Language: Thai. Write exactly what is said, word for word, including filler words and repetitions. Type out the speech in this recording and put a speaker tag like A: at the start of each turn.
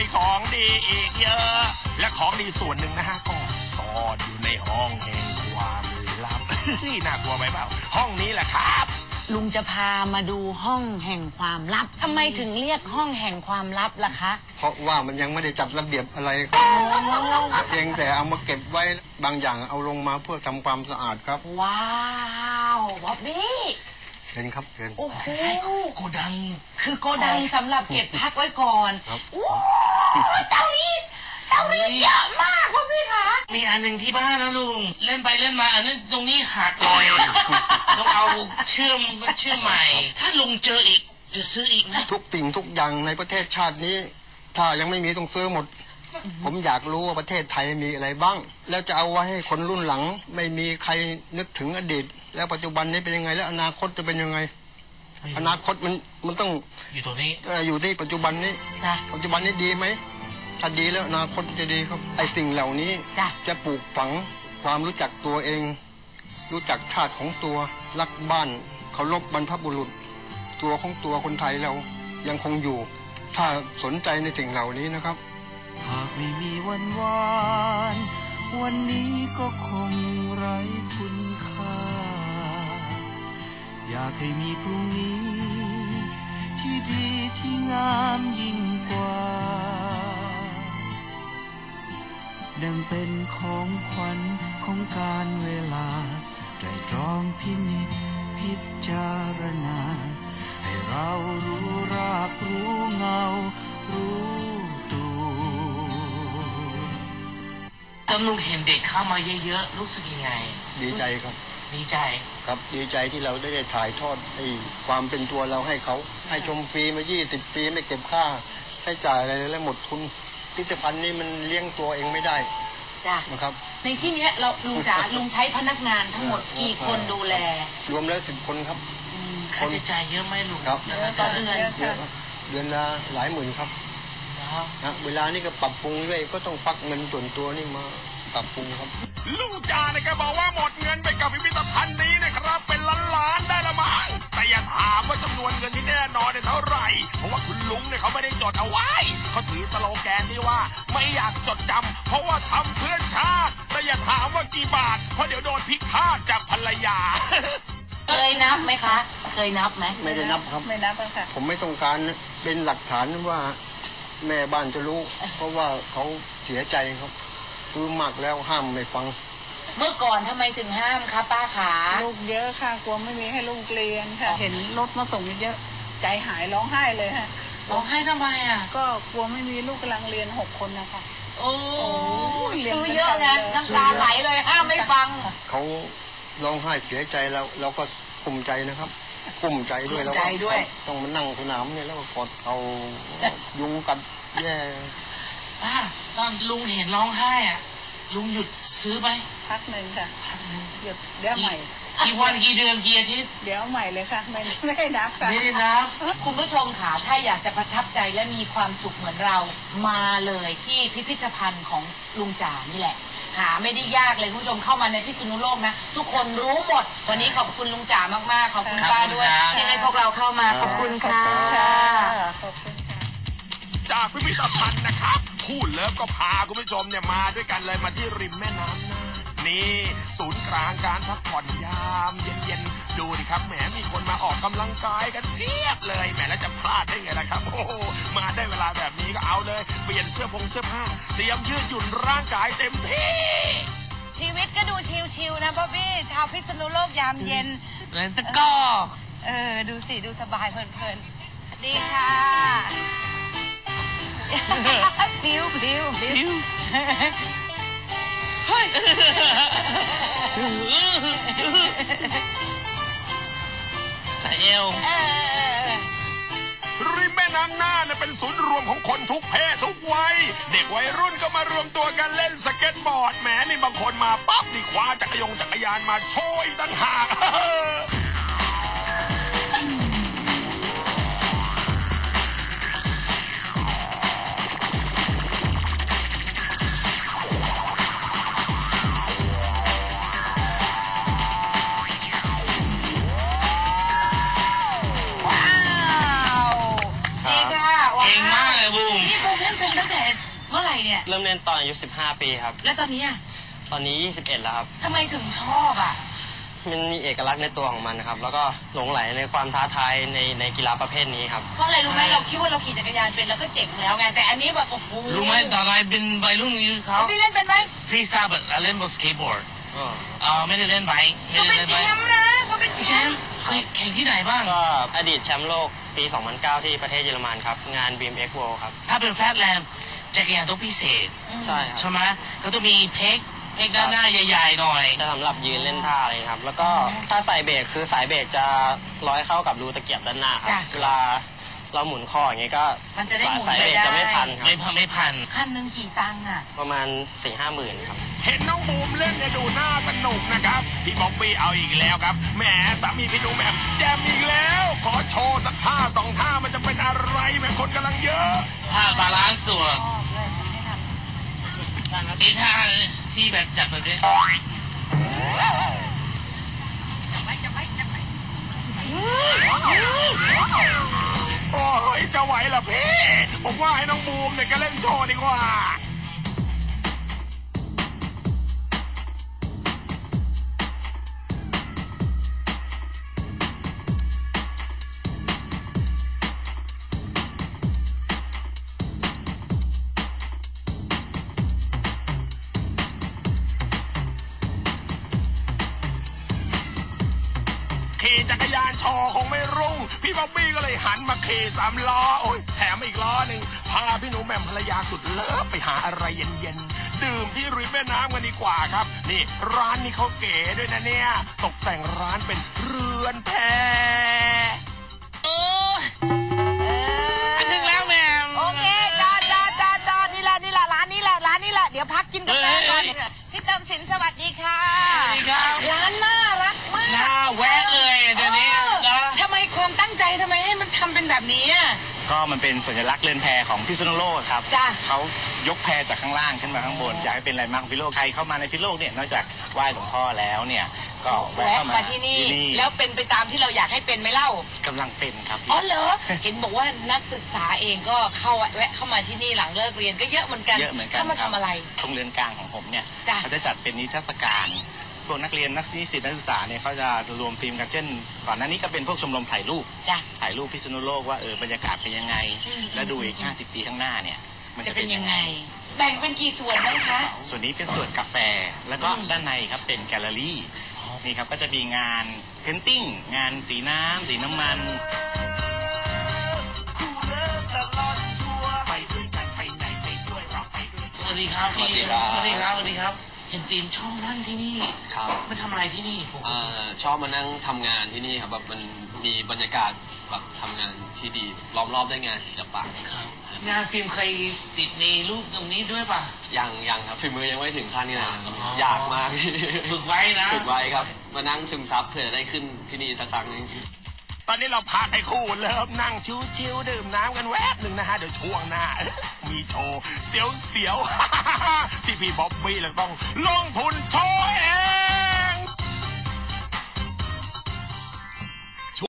A: มีของดีอีกเยอะและของดีส่วนหนึ่งนะฮะก็ซ่อนอยู่ในห้องแห่งความลับน่ากลัวไหมเปล่าห้องนี้แหละครับ
B: ลุงจะพามาดูห้องแห่งความลับทำไมถึงเรียกห้องแห่งความลับล่ะคะ
C: เพราะว่ามันยังไม่ได้จัดระเบียบอะไรเพียงแต่เอามาเก็บไว้บางอย่างเอาลงมาเพื่อทำความสะอาดครับ
B: ว้าวบ๊อบบี้
C: เห็นครับเห็น
B: โอ้โห
A: โกดัง
B: คือโกดังสำหรับเก็บพักไว้ก่อน
C: ครับ
B: โอ้เจ้านี้เจ้านี้เยอะมากพ่อพี่คะ
A: มีอันหนึ่งที่บ้านนะลุงเล่นไปเล่นมาอันนั้นตรงนี้หักเลยต้องเอาเชื่อมเชื่อมใหม่ถ้าลุงเจออีกจะซื้ออีกไหม
C: ทุกสิ่งทุกอย่างในประเทศชาตินี้ถ้ายังไม่มีต้องซื้อหมดผมอยากรู้ว่าประเทศไทยมีอะไรบ้างแล้วจะเอาไว้ให้คนรุ่นหลังไม่มีใครนึกถึงอดีตแล้วปัจจุบันนี้เป็นยังไงแล้วอนาคตจะเป็นยังไงอนาคตมันมันต้อง
A: อยู่ตรงนี้
C: อยู่ที่ปัจจุบันนี้ปัจจุบันนี้ดีไหมถ้าดีแล้วอนาคตจะดีครับไอ้สิ่งเหล่านี้จะปลูกฝังความรู้จักตัวเองรู้จักธาตุของตัวรักบ้านเคารพบรรพบุรุษตัวของตัวคนไทยเรายังคงอยู่ถ้าสนใจในสิ่งเหล่านี้นะครับ
D: หากไม่มีวันวานวันนี้ก็คงไร้คุณค่าอยากให้มีพรุ่งนี้ที่ดีที่งามยิ่งกว่าดังเป็นของขวัญของการเวลาไตร่ตรองพินิจพิจารณาให้เรารู้รากรู้เงารู้
A: ตอนลุงเห็นเด็กเข้ามาเยอะๆรู้สึกยังไง
C: ดีใจครับ
A: ดีใจ
C: ครับดีใจที่เราได้ถ่ายทอดไอ้ความเป็นตัวเราให้เขาให้ชมฟรีมายี่สิบปีไม่เก็บค่าใช้จ่ายอะไรแล้วหมดทุนพิพิธภัณฑ์นี้มันเลี้ยงตัวเองไม่ได้
B: จ้ะ
C: นะครับ
B: ในที่นี้เราลุงจ๋าลุงใช้พนักงานทั้งหมดกี่คนดูแล
C: รวมแล้วสิบคนครับ
A: ค่าใช้จ่ายเยอะไหมลุง
C: ครับ
B: ต่อเดือน
C: เดือนละหลายหมื่นครับนะเวลานี่ก็ปรับปรุงด้วยก็ต้องฟักเงินส่วนตัวนี่มาปรับปรุงครับ
A: ลุงจ่าเนี่ยก็บอกว่าหมดเงินไปกับพิพิธภัณฑ์นี้นะครับเป็นล้านๆได้ละมั้งแต่อย่าถามว่าจำนวนเงินที่แน่นอนเนี่ยเท่าไหร่เพราะว่าคุณลุงเนี่ยเขาไม่ได้จดเอาไว้เขาถือสโลแกนที่ว่าไม่อยากจดจำเพราะว่าทำเพื่อชาติแต่อย่าถามว่ากี่บาทเพราะเดี๋ยวโดนพิฆาตจากภรรยา
B: เคยนับไหมคะเคยนับไหม
C: ไม่ได้นับครับ
B: ไม่นับค่ะ
C: ผมไม่ต้องการเป็นหลักฐานว่าแม่บ้านจะรู้เพราะว่าเขาเสียใจครับคือมากแล้วห้ามไม่ฟัง
B: เมื่อก่อนทำไมถึงห้ามคะป้าขา
E: ลูกเยอะค่ะกลัวไม่มีให้ลูกเรียนค่ะเห็นรถมาส่งเยอะใจหายร้องไห้เลยฮะ
B: ร้องไห้ทำไมอ่ะ
E: ก็กลัวไม่มีลูกกำลังเรียนหกคนนะคะ
B: โอ้ซื้อเยอะนะน้ำตาไหลเลยห้ามไม่ฟัง
C: เขาร้องไห้เสียใจแล้วเราก็ภูมิใจนะครับภูมิใจด้วยแล้วต้องมานั่งสนามเนี่ยแล้วก็กดเอายุงกัดแย่
A: ป้าตอนลุงเห็นร้องไห้อ่ะลุงหยุดซื้อไหม
E: พักหนึ่งค่ะหยุดเดี๋ยวใหม่
A: กี่วันกี่เดือนกี่อาทิตย์
E: เดี๋ยวใหม่เลยค่ะไม่ไม่ได้นับค่ะ
A: ไม่ได้นับ
B: คุณผู้ชมค่ะถ้าอยากจะประทับใจและมีความสุขเหมือนเรามาเลยที่พิพิธภัณฑ์ของลุงจ๋านี่แหละหาไม่ได้ยากเลยคุณผู้ชมเข้ามาในพิษณุโลกนะทุกคนรู้หมดวันนี้ขอบคุณลุงจ๋ามากๆขอบคุณป้าด้วยที่ให้พวกเราเข้ามาขอบคุณค่ะ
A: จากพิพิธภัณฑ์นะครับพูดเลิฟก็พาคุณผู้ชมเนี่ยมาด้วยกันเลยมาที่ริมแม่น้ำน่านนี่ศูนย์กลางการพักผ่อนยามเย็นๆดูดิครับแหมมีคนมาออกกำลังกายกันเพียบเลยแหมแล้วจะพลาดได้ไงล่ะครับโอ้มาได้เวลาแบบนี้ก็เอาเลยเปลี่ยนเสื้อผงเสื้อผ้าเตรียมยืดหยุ่นร่างกายเต็มที่
B: ชีวิตก็ดูชิลๆนะบ๊อบบี้ชาวพิษณุโลกยามเย็น
A: เล่นตะก้อ
B: เออดูสิดูสบายเพลินๆดีค่ะพิ้วพิ้วพิ้วเฮ้ย
A: ใส่เอวริมแม่น้ำน่านเป็นศูนย์รวมของคนทุกเพศทุกวัยเด็กวัยรุ่นก็มารวมตัวกันเล่นสเก็ตบอร์ดแหมนี่บางคนมาปั๊บนี่คว้าจักรยงจักรยานมาโชยตั้งหาก
B: นี่บูมเล่นเป็นตั้งแต่ร่เนี่ย
F: เริ่มเล่นตอนอายุสิบห้าปีครับ
B: แล้วตอนนี้อ่ะ
F: ตอนนี้ยี่สิบเอ็ดแล้วครับ
B: ทำไมถึงชอบอ่ะ
F: มันมีเอกลักษณ์ในตัวของมันครับแล้วก็หลงไหลในความท้าทายในในกีฬาประเภทนี้ครับ
B: เพราะอะไรรู้ไหมเราคิดว่าเราขี่จักรยานเป็นแล้วก็เจ๋งแล้วไงแต่อันนี้แบบโอ้โห
G: รู้ไหมตอนไรเป็นใบรุ่นนี้เขา
B: พี่เล่นเป็นไหม
G: ฟรีสไตล์แบบเล่นบนสเก็ตบอร์ดอ๋อไม่ได้เล่นไบค์
B: ก็เป็นแชมป์นะก็เป็นแชมป์
G: เคยแข่งที่ไหนบ้าง
F: ก็อดีตแชมป์โลกปีสองพันเก้าที่ประเทศเยอรมันครับงาน บี เอ็ม เอ็กซ์ World ครับ
G: ถ้าเป็นแฟตแลนด์จักรยานต้องพิเศษ
F: ใช่ครับ
G: ใช่ไหมก็ต้องมีเพกเพกด้านหน้าใหญ่ๆหน่อย
F: จะสำหรับยืนเล่นท่าอะไรครับแล้วก็ถ้าสายเบรกคือสายเบรกจะร้อยเข้ากับรูตะเกียบด้านหน้าครับเวลาเราหมุนคออย่างเงี้ยก็
B: มันจะได้หมุน
F: ไปได้จะไม่พันครับ
G: ไม่พันไม่พัน
B: คันหนึ่งกี่ตังค์อ่ะ
F: ประมาณสี่ห้าหมื่นครับ
A: เห็นน้องบูมเล่นเนี่ยดูหน้าสนุกนะครับพี่บ๊อบบี้เอาอีกแล้วครับแหมสามีพี่ดูแหม่มแจมอีกแล้วขอโชว์สักท่าสองท่ามันจะเป็นอะไรแม่คนกำลังเยอะ
G: ท่าบาลานซ์ตัวนี่ท่าที่แบบจัดแบบนี้
A: โอ้ยจะไหวเหรอพี่ผมว่าให้น้องบูมเนี่ยก็เล่นโชว์ดีกว่าขี่จักรยานโชว์คงไม่รุ่งพี่บ๊อบบี้ก็เลยหันมาขี่สามล้อโอ้ยแถมอีกล้อหนึ่งพาพี่หนูแหม่มภรรยาสุดเลิฟไปหาอะไรเย็นๆดื่มที่ริมแม่น้ำกันดีกว่าครับนี่ร้านนี้เขาเก๋ด้วยนะเนี่ยตกแต่งร้านเป็นเรือนแพ
G: เอออันนึงแล้วแม่
B: โอเคจอดจอดจอดจอดนี่แหละนี่แหละร้านนี้แหละร้านนี้แหละเดี๋ยวพักกินกาแฟก่อนพี่เติมสินสวัสดีค่ะ
G: สวัสดีครับ
B: ร้านน่ารักมาก
G: น่าแวะเลยเดี๋ยวนี้
B: ทำไมความตั้งใจทำไมให้มันทำเป็นแบบนี้อ่ะ
H: ก็มันเป็นสัญลักษณ์เรือนแพของพิษณุโลกครับเขายกแพจากข้างล่างขึ้นมาข้างบนอยากให้เป็นอะไรมากพิษณุโลกใครเข้ามาในพิษณุโลกเนี่ยนอกจากไหว้หลวงพ่อแล้วเนี่ยก็แวะเข้ามา
B: ที่นี่แล้วเป็นไปตามที่เราอยากให้เป็นไหมเล่าก
H: ำลังเป็นครับ
B: อ๋อเหรอเห็นบอกว่านักศึกษาเองก็เข้าแวะเข้ามาที่นี่หลังเลิกเรียนก็เยอะเหมือนกัน
H: เยอะเหมือนกัน
B: เข้ามาทำอะไร
H: ตรงเรือนกลางของผมเนี่ยเขาจะจัดเป็นนิทรรศการพวกนักเรียนนักนิสิตนักศึกษาเนี่ยเขาจะรวมทีมกันเช่นก่อนหน้านี้ก็เป็นพวกชมรมถ่ายรูปถ่ายรูปพิษณุโลกว่าเออบรรยากาศเป็นยังไงแล้วดูอีกห้าสิบปีข้างหน้าเนี่ย
B: มันจะเป็นยังไงแบ่งเป็นกี่ส่วนไหมคะ
H: ส่วนนี้เป็นส่วนกาแฟแล้วก็ด้านในครับเป็นแกลเลอรี่นี่ครับก็จะมีงานเพนติ้งงานสีน้ำสีน้ำมัน
G: สวัสดีครับพี่สวัสดีครับสวัสดีครับเห็นทีมชอบนั่งที่นี่
I: ครับ
G: มาทำอะไรที่นี่ผม
I: ชอบมานั่งทำงานที่นี่ครับแบบมันมีบรรยากาศแบบทำงานที่ดีล้อมรอบด้วยงานศิลปะ
G: ครับงานฟิล์มเคยติดในรูปตรงนี้ด้วยป่ะ
I: ยังยังครับฝีมือยังไม่ถึงขั้นนี้นะอยากมาก
G: ฝึกไว้นะ
I: ฝึกไว้ครับมานั่งซึมซับเผื่อได้ขึ้นที่นี่สักครั้งนึง
A: ตอนนี้เราพาไอ้คู่เริ่มนั่งชิวๆดื่มน้ำกันแวบหนึ่งนะฮะเดี๋ยวช่วงหน้ามีโชว์เสียวๆที่พี่บ๊อบบี้เราต้องลงทุนโชว์เอง